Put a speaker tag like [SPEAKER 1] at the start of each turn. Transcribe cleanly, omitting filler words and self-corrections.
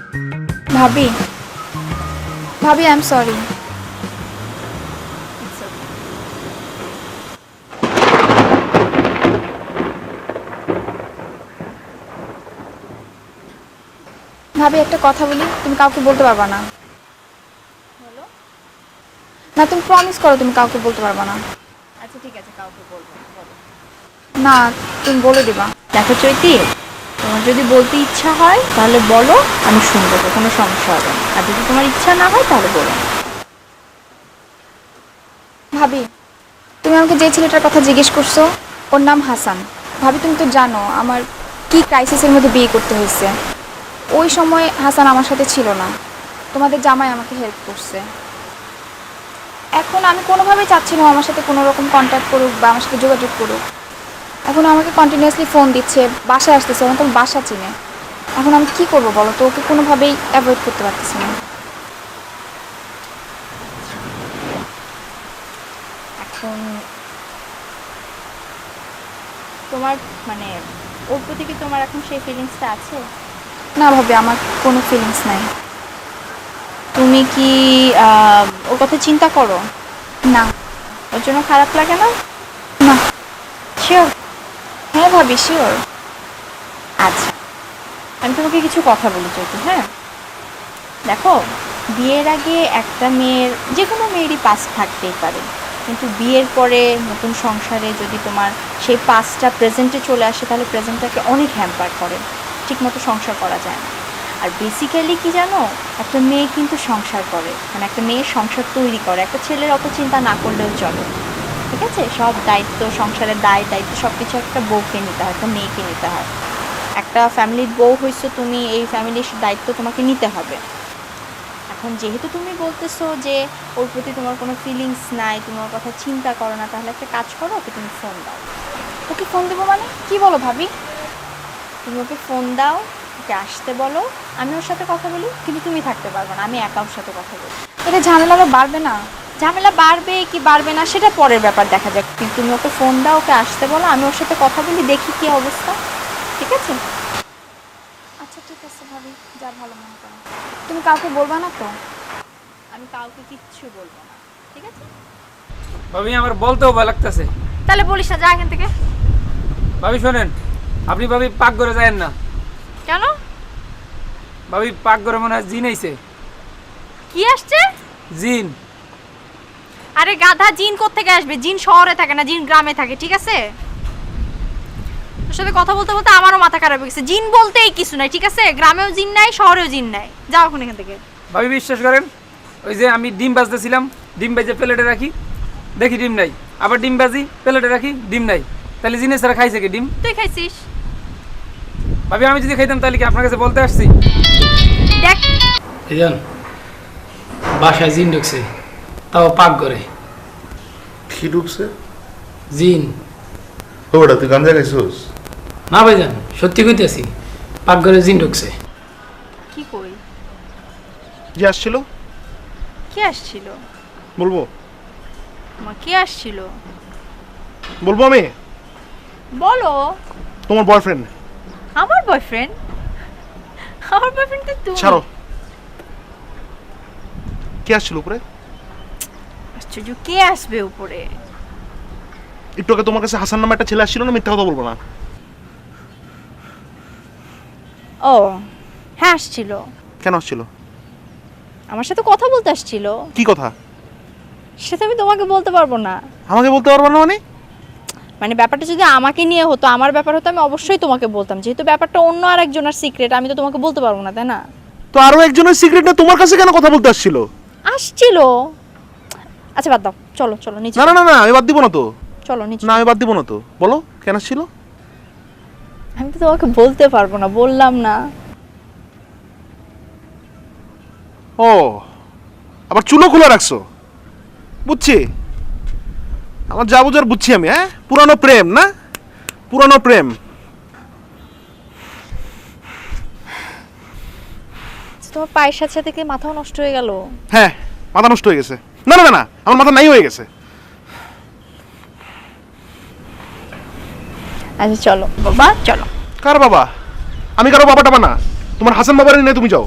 [SPEAKER 1] ভাবি, ভাবি I am sorry. ভাবি একটা কথা বলি, তুমি কাউকে বলতে পারবা না। না তুমি প্রমিস করো তুমি কাউকে বলতে পারবা না।
[SPEAKER 2] আচ্ছা ঠিক আছে, কাউকে বলবো না, বলো।
[SPEAKER 1] না তুমি বলে দিবা।
[SPEAKER 2] দেখো চৈতি, তোমার যদি বলতে ইচ্ছা হয় তাহলে বলো, আমি শুনবো, তো কোনো সমস্যা হবে না। আর যদি তোমার ইচ্ছা না হয় তাহলে বলো না।
[SPEAKER 1] ভাবি, তুমি আমাকে যে ছেলেটার কথা জিজ্ঞেস করছো ওর নাম হাসান। ভাবি তুমি তো জানো আমার কি ক্রাইসিসের মধ্যে বিয়ে করতে হয়েছে। ওই সময় হাসান আমার সাথে ছিল না, তোমাদের জামাই আমাকে হেল্প করছে। এখন আমি কোনোভাবেই চাচ্ছি না ও আমার সাথে কোনো রকম কন্ট্যাক্ট করুক বা আমার সাথে যোগাযোগ করুক। এখন আমাকে কন্টিনিউয়াসলি ফোন দিচ্ছে, বাসায় আসতেছে, এখন তো বাসা চিনে। এখন আমি কী করবো বলো তো, ওকে কোনোভাবেই অ্যাভয়েড করতে পারতেছি না।
[SPEAKER 2] এখন তোমার মানে ওর প্রতি কি তোমার এখন সেই ফিলিংসটা আছে?
[SPEAKER 1] না ভাবি, আমার কোনো ফিলিংস নাই।
[SPEAKER 2] তুমি কি ওর কথা চিন্তা করো?
[SPEAKER 1] না।
[SPEAKER 2] ওর জন্য খারাপ লাগে না?
[SPEAKER 1] না।
[SPEAKER 2] শিওর?
[SPEAKER 1] হ্যাঁ ভাবি শিওর।
[SPEAKER 2] আচ্ছা, আমি তোমাকে কিছু কথা বলি চৈতি। হ্যাঁ দেখো, বিয়ের আগে একটা মেয়ের, যে কোনো মেয়েরই পাস থাকতেই পারে, কিন্তু বিয়ের পরে নতুন সংসারে যদি তোমার সেই পাসটা প্রেজেন্টে চলে আসে তাহলে প্রেজেন্টটাকে অনেক হ্যাম্পার করে, ঠিকমতো সংসার করা যায় না। আর বেসিক্যালি কি জানো, একটা মেয়ে কিন্তু সংসার করে, মানে একটা মেয়ে সংসার তৈরি করে, একটা ছেলের অত চিন্তা না করলেও চলে। ঠিক আছে, সব দায়িত্ব, সংসারের দায় দায়িত্ব সব কিছু একটা বউকে নিতে হয়, একটা মেয়েকে নিতে হয়। একটা ফ্যামিলির বউ হইছো তুমি, এই ফ্যামিলির দায়িত্ব তোমাকে নিতে হবে। এখন যেহেতু তুমি বলতেছো যে ওর প্রতি তোমার কোনো ফিলিংস নাই, তুমি ওর কথা চিন্তা করো না, তাহলে একটা কাজ করো, ওকে তুমি ফোন দাও।
[SPEAKER 1] ওকে ফোন দেবো মানে কি বলো ভাবি?
[SPEAKER 2] তুমি ওকে ফোন দাও, ওকে আসতে বলো, আমি ওর সাথে কথা বলি, কিন্তু তুমি থাকতে পারবে না, আমি একা ওর সাথে কথা বলি।
[SPEAKER 1] এটা ঝামেলা আরও বাড়বে না?
[SPEAKER 2] ঝামেলা বাড়বে কি বাড়বে না সেটা পরের ব্যাপার, দেখা যাক। কিন্তু তুমি ওকে ফোন দাও, ওকে আসতে বলো, আমি ওর সাথে কথা বলি, দেখি কি অবস্থা। ঠিক আছে?
[SPEAKER 1] আচ্ছা ঠিক আছে ভাবি, যা ভালো মনে করো। তুমি কাউকে বলবা না তো?
[SPEAKER 2] আমি কাউকে কিচ্ছু বলবো না, ঠিক আছে?
[SPEAKER 3] ভাবি আমার বলতেও ভয় লাগতেছে।
[SPEAKER 2] তাহলে বলিস না, যা এখান থেকে।
[SPEAKER 3] ভাবি শোনেন, আপনি ভাবি পাক করে যায়েন না।
[SPEAKER 2] কেন?
[SPEAKER 3] ভাবি পাক করে মনে হয় জিন আইছে।
[SPEAKER 2] কি আসছে?
[SPEAKER 3] জিন।
[SPEAKER 2] আরে গাধা, জিন কোত্থেকে আসবে? জিন শহরে থাকে না, জিন গ্রামে থাকে, ঠিক আছে? তোর সাথে কথা বলতে বলতে আমারও মাথা খারাপ হয়ে গেছে। জিন বলতেই কিছু নাই, ঠিক আছে? গ্রামেও জিন নাই, শহরেও জিন নাই। যাও এখন এখান থেকে।
[SPEAKER 3] ভাবি বিশ্বাস করেন, ওই যে আমি ডিম বাজতেছিলাম, ডিম বাজে প্লেটে রাখি, দেখি ডিম নাই, আবার ডিম বাজি প্লেটে রাখি, ডিম নাই। তাহলে জিনের সারা খাইছে কি ডিম?
[SPEAKER 2] তুই খাইছিস?
[SPEAKER 3] ভাবি আমি যদি খাইতাম তাহলে কি আপনার কাছে বলতে আসছি?
[SPEAKER 2] দেখ,
[SPEAKER 4] এজন বাসায় জিন ঢুকছে, তাও পাক করে।
[SPEAKER 5] কি ঢুকছে?
[SPEAKER 4] জিন।
[SPEAKER 5] ওটা তুই গাঞ্জা খাইছিস?
[SPEAKER 4] না ভাইজান, সত্যি কইতেছি, পাক করে জিন ঢুকছে।
[SPEAKER 2] কি কই?
[SPEAKER 5] যে আসছিল
[SPEAKER 2] কি আসছিল?
[SPEAKER 5] বলবো?
[SPEAKER 2] মা কি আসছিল?
[SPEAKER 5] বলবো আমি?
[SPEAKER 2] বলো।
[SPEAKER 5] তোমার বয়ফ্রেন্ড।
[SPEAKER 2] আমার বয়ফ্রেন্ড? আমার বয়ফ্রেন্ড তো তুই।
[SPEAKER 5] ছাড়ো। কে আসছিল উপরে?
[SPEAKER 2] আশ্চর্য, কে আসবে উপরে?
[SPEAKER 5] একটু আগে তোমার কাছে হাসান নামে একটা ছেলে আসছিল না? মিথ্যা কথা বলবো না।
[SPEAKER 2] ও হ্যাঁ, আসছিল।
[SPEAKER 5] কেন আসছিল?
[SPEAKER 2] আমার সাথে কথা বলতে আসছিল।
[SPEAKER 5] কি কথা?
[SPEAKER 2] সেটা আমি তোমাকে বলতে পারবো না।
[SPEAKER 5] আমাকে বলতে পারবো না মানে?
[SPEAKER 2] মানে ব্যাপারটা যদি আমাকে নিয়ে হতো, আমার ব্যাপার হতো, আমি অবশ্যই তোমাকে বলতাম। যেহেতু ব্যাপারটা অন্য আরেকজনের সিক্রেট, আমি তো তোমাকে বলতে পারবো না, তাই না?
[SPEAKER 5] তো আরো একজনের সিক্রেট না তোমার কাছে কেন কথা বলতে আসছিল?
[SPEAKER 2] আসছিল। আচ্ছা বাদ দাও, চলো চলো নিচে।
[SPEAKER 5] না না না না, আমি বাদ দিব না তো।
[SPEAKER 2] চলো নিচে।
[SPEAKER 5] না আমি বাদ দিব না তো। বলো কেন আসছিল?
[SPEAKER 2] আমি তো তোমাকে বলতে পারবো না, বললাম না।
[SPEAKER 5] ও আবার চুলো খোলা রাখছো, বুঝছি। আমার যা বুঝার বুঝছি আমি। হ্যাঁ, পুরানো প্রেম না? পুরানো প্রেম।
[SPEAKER 2] তোমার পায়ের সাথে সাথে কি মাথাও নষ্ট হয়ে গেল?
[SPEAKER 5] হ্যাঁ, মাথা নষ্ট হয়ে গেছে। না না না না, আমার মাথা নাই হয়ে গেছে।
[SPEAKER 2] আচ্ছা চলো বাবা, চলো।
[SPEAKER 5] কার বাবা? আমি কারো বাবা টাবা না। তোমার হাসান বাবার নিয়ে তুমি যাও।